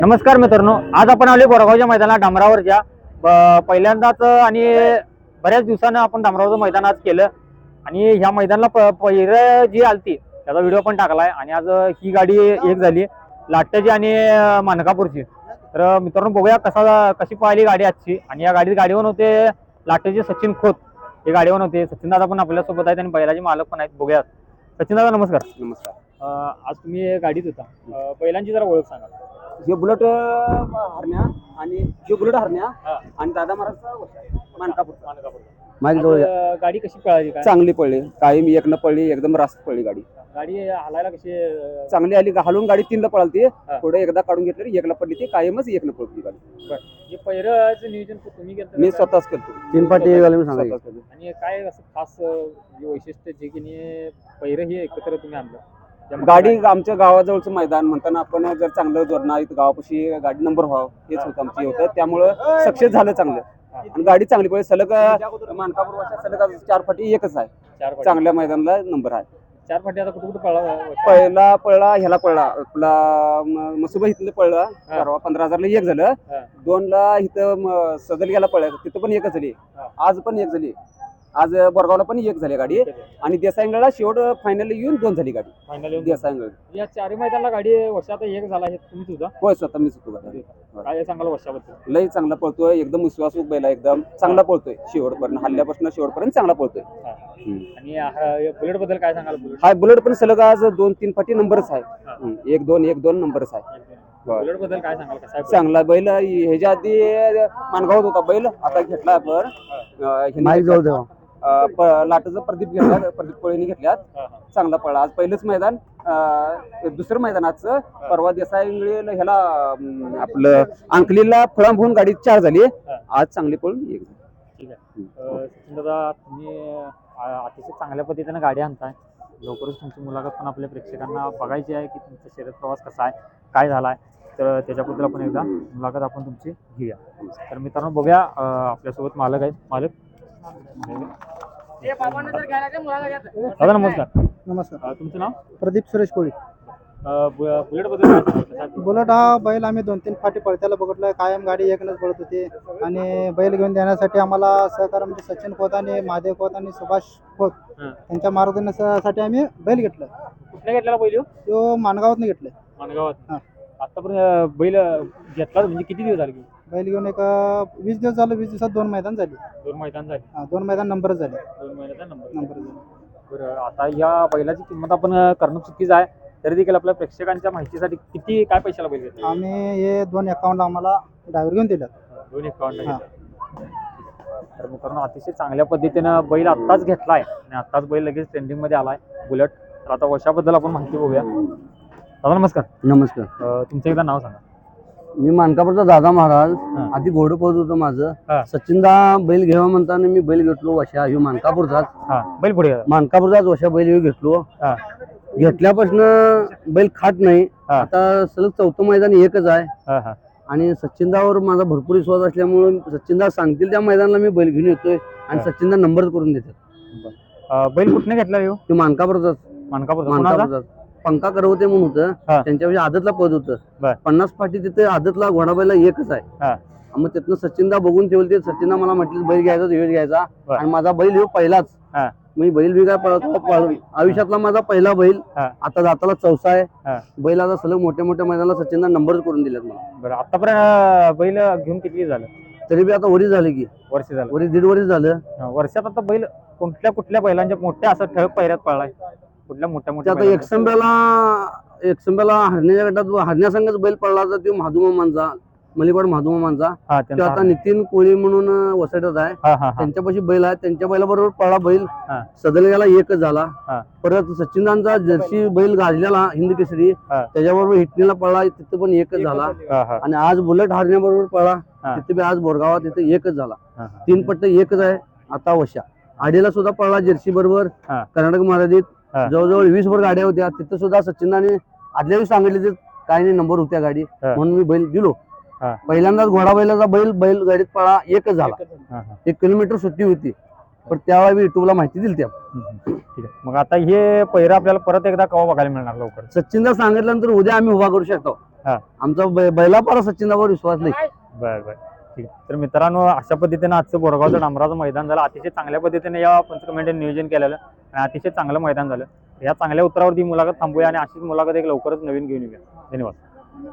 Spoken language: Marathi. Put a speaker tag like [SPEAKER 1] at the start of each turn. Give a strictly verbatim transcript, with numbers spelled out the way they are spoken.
[SPEAKER 1] नमस्कार मित्रांनो, आज आपण आले बोरगावच्या मैदानात डांबरावरच्या पहिल्यांदाच आणि बऱ्याच दिवसानं आपण डांबरावरचं मैदान आज केलं आणि ह्या मैदानाला पहिलं जी आलती त्याचा व्हिडिओ पण टाकलाय आणि आज ही गाडी एक झाली लाट्याची आणि मानकापूरची। तर मित्रांनो बघूया कसा कशी पाहिली गाडी आजची। आणि या गाडीत गाडीवर होते लाट्याचे सचिन खोत, हे गाडीवर होते। सचिन दादा पण आपल्या सोबत आहेत आणि बैलाचे मालक पण आहेत। बघूया सचिन दादा, नमस्कार।
[SPEAKER 2] नमस्कार।
[SPEAKER 1] आज तुम्ही गाडीत होता, पहिल्यांची जरा ओळख सांगा।
[SPEAKER 2] हे बुलेट हरण्या आणि हे बुलेट हरण्या आणि दादा महाराजचा मानकापूर
[SPEAKER 1] मानकापूर गाडी कशी पळाली? काय
[SPEAKER 2] चांगली पडली, कायम एकनं पडली, एकदम रास्त पडली गाडी।
[SPEAKER 1] गाडी हलायला कशी
[SPEAKER 2] चांगली आली, हलून गाडी तीनला पळाली, पुढे एकदा काढून घेतली, एकला पडली, ती कायमच एकनं पळती गाडी।
[SPEAKER 1] हे पहिरंचं नियोजन तुम्ही केलं?
[SPEAKER 2] मी स्वतःच केलं,
[SPEAKER 1] तीन पाटी
[SPEAKER 2] सांगा।
[SPEAKER 1] आणि काय असं खास वैशिष्ट्य जे की पहिरं हे एकत्र तुम्ही आणलं?
[SPEAKER 2] गाडी आमच्या गावाजवळचं मैदान म्हणताना आपण जर चांगलं जोडणार इथं गावापाशी गाडी नंबर व्हावं हेच होतं आमची होतं, त्यामुळं सक्सेस झालं चांगलं। आणि गाडी चांगली पडली, सलग मानकापूर वर्षात सलग चार फाटी एकच आहे,
[SPEAKER 1] चार
[SPEAKER 2] चांगल्या मैदानाला नंबर आहे।
[SPEAKER 1] चार फाटी आता कुठे कुठे पळला?
[SPEAKER 2] पहिला पळला ह्याला पळला आपला मसुबा इथलं पळला, परवा पंधरा हजारला एक झालं, दोन ला इथं सदलग्याला पळला, तिथं पण एकच झाली, आज पण एक झाली, आज बोरगावला पण एक झाली गाडी, आणि देसाईंगडला शेवट फायनल येऊन दोन झाली गाडी फायनल देसाईंगड।
[SPEAKER 1] या चारही मैदानाला गाडी वर्षात एक झाला आहे, तुम्ही सुद्धा?
[SPEAKER 2] होय, स्वतः मी सुद्धा।
[SPEAKER 1] काय सांगाल वर्षाबद्दल?
[SPEAKER 2] लई चांगला पळतोय, एकदम विश्वासू बैल, एकदम चांगला पळतोय, शेवटपर्यंत हल्ल्यापासून शेवटपर्यंत चांगला पळतोय।
[SPEAKER 1] आणि बुलेट बद्दल काय सांगाल?
[SPEAKER 2] हा बुलेट पण सलग आज दोन तीन फाटी नंबरच आहे, एक दोन एक दोन नंबरच आहे।
[SPEAKER 1] बुलेट बद्दल काय सांगाल? कसा
[SPEAKER 2] चांगला बैल, ह्याच्या आधी मानगावात होता बैल, आता घेतला आपण लाटाचं प्रदीप घेतला, प्रदीप कोळीने घेतल्यात, चांगला पळा। आज पहिलंच मैदान, दुसरं मैदानाचं परवा देसाईंगडे ह्याला आपलं अंकलीला फळांब होऊन गाडी चार झाली, आज चांगली पळून एक झाली।
[SPEAKER 1] ठीक आहे सचिन दादा, तुम्ही अतिशय चांगल्या पद्धतीने गाडी आणताय, लवकरच तुमची मुलाखत पण आपल्या प्रेक्षकांना बघायची आहे की तुमचा शर्यत प्रवास कसा आहे, काय झालाय, तर त्याच्याबद्दल आपण एकदा मुलाखत आपण तुमची घेऊया। तर मित्रांनो बघूया, आपल्यासोबत मालक आहेत। मालक दादा नमस्कार।
[SPEAKER 3] नमस्कार,
[SPEAKER 1] तुमचं नाव?
[SPEAKER 3] प्रदीप सुरेश कोळी।
[SPEAKER 1] बुलेट बद्दल?
[SPEAKER 3] बुलेट हा बैल आम्ही दोन तीन फाटी पळत्याला बघितलं, कायम गाडी एकनच पळत होती, आणि बैल घेऊन देण्यासाठी आम्हाला सहकार म्हणजे सचिन खोत आणि महादेव खोत आणि सुभाष खोत यांच्या मार्गदर्शनासाठी आम्ही बैल घेतलं।
[SPEAKER 1] कुठल्या घेतलेला बैल?
[SPEAKER 3] तो मानगावातनं घेतलं।
[SPEAKER 1] मानगावात? आतापर्यंत बैल घेतला म्हणजे किती दिवस झाले?
[SPEAKER 3] बैल घेऊन एक वीस दिवस झालं, वीस दिवसात दोन मैदान झाली।
[SPEAKER 1] दोन मैदान झाले?
[SPEAKER 3] हा, दोन मैदान नंबर झाले,
[SPEAKER 1] दोन मैदान नंबर
[SPEAKER 3] नंबर झाले।
[SPEAKER 1] बरं, आता या बैलाची किंमत आपण करणं चुकीचं आहे, तरी देखील आपल्या प्रेक्षकांच्या माहितीसाठी किती काय पैशाला बैल घेतला?
[SPEAKER 3] आम्ही हे दोन अकाउंट आम्हाला ड्रायव्हर घेऊन दिलं,
[SPEAKER 1] दोन अकाउंट। तर मित्रांनो अतिशय चांगल्या पद्धतीनं बैल आत्ताच घेतलाय आणि आत्ताच बैल लगेच ट्रेंडिंग मध्ये आलाय बुलेट। तर आता वर्षाबद्दल आपण माहिती बघूया। दादा नमस्कार।
[SPEAKER 2] नमस्कार।
[SPEAKER 1] तुमचं एकदा नाव सांगा।
[SPEAKER 2] मी मानकापूरचा दादा महाराज, आधी घोडं पळत होतं माझं, सचिनदा बैल घ्यावा म्हणताना मी बैल घेतलो वशा, ह्यो मानकापूरचाच
[SPEAKER 1] बैल पुढे
[SPEAKER 2] मानकापूरचाच वशा बैल घेतलो। घेतल्यापासून बैल खात नाही, आता सलग चौथं मैदान एकच आहे, आणि सचिनदावर माझा भरपूर विश्वास असल्यामुळे सचिनदा सांगतील त्या मैदानाला मी बैल घेऊन येतोय आणि सचिनदा नंबर करून देतात।
[SPEAKER 1] बैल कुठने घेतला? तो
[SPEAKER 2] मानकापूरचाच
[SPEAKER 1] मानकापूरचा
[SPEAKER 2] पंका करवते म्हणून होतं, त्यांच्यापेक्षा आदतला पद होतं, पन्नास फाटी तिथे आदतला घोडा बैला एकच आहे। मग तिथनं सचिनदा बघून ठेवले, सचिनदा मला म्हटलं बैल घ्यायचा दिवस घ्यायचा, आणि माझा बैल हो पहिलाच, मी बैल बी काय पळतो आयुष्यातला माझा पहिला बैल, आता जाताला चौसा आहे बैल, आता सलग मोठ्या मोठ्या मैदानाला सचिनदा नंबर करून दिलेत मला।
[SPEAKER 1] बरं, आतापर्यंत बैल घेऊन किती झालं?
[SPEAKER 2] तरी बी आता वरी झाले की
[SPEAKER 1] वर्ष झालं,
[SPEAKER 2] वरी दीड वर्ष झालं।
[SPEAKER 1] वर्षात आता बैल कुठल्या कुठल्या बैलांच्या मोठ्या असं ठळक पैऱ्यात पळलाय? कुठल्या मोठ्या मोठ्या?
[SPEAKER 2] आता एकसंब्याला एकसंब्याला हरण्याच्या गटात हरण्यासंगच बैल पडला होता, तो महादुमामांचा, मलिकवाड महादुमामांचा, तो आता नितीन कोळी म्हणून वसटत आहे, त्यांच्यापाशी बैल आहे, त्यांच्या बैलाबरोबर पळला बैल, सदलग्याला एकच झाला। परत सचिनदांचा जर्सी बैल गाजलेला हिंद केसरी, त्याच्याबरोबर हिटणीला पळला, तिथे पण एकच झाला, आणि आज बुलेट हरण्याबरोबर पळला, तिथे बी आज बोरगावात तिथे एकच झाला, तीन पट्ट एकच आहे। आता वशा आडीला सुद्धा पळला जर्सी बरोबर, कर्नाटक महाराजीत जवळजवळ वीस वर गाड्या होत्या, तिथे सुद्धा सचिनदाने आदल्या दिवशी सांगितले काय नाही नंबर होत्या गाडी, म्हणून मी बैल दिलो। पहिल्यांदाच घोडा बैलाचा बैल बैल गाडीत पळा एकच झाला, एक किलोमीटर सुट्टी होती, पण त्यावेळी मी युट्यूबला माहिती दिली त्या।
[SPEAKER 1] ठीक आहे, मग आता हे पहिरा आपल्याला परत एकदा केव्हा बघायला मिळणार? लवकर
[SPEAKER 2] सचिनदा सांगितल्यानंतर उद्या आम्ही उभा करू शकतो। आहे आमचा बै- बैलापारा सचिनदावर विश्वास नाही.
[SPEAKER 1] बर बर ठीक आहे. तर मित्रांनो अशा पद्धतीने आजचं बोरगावचं डांबराचं मैदान झालं. अतिशय चांगल्या पद्धतीने या पंच कमिटीने नियोजन केलेलं आणि अतिशय चांगलं मैदान झालं. या चांगल्या उत्तरावरती मुलाखत थांबूया आणि अशीच मुलाखत एक लवकरच नवीन घेऊन येऊया. धन्यवाद.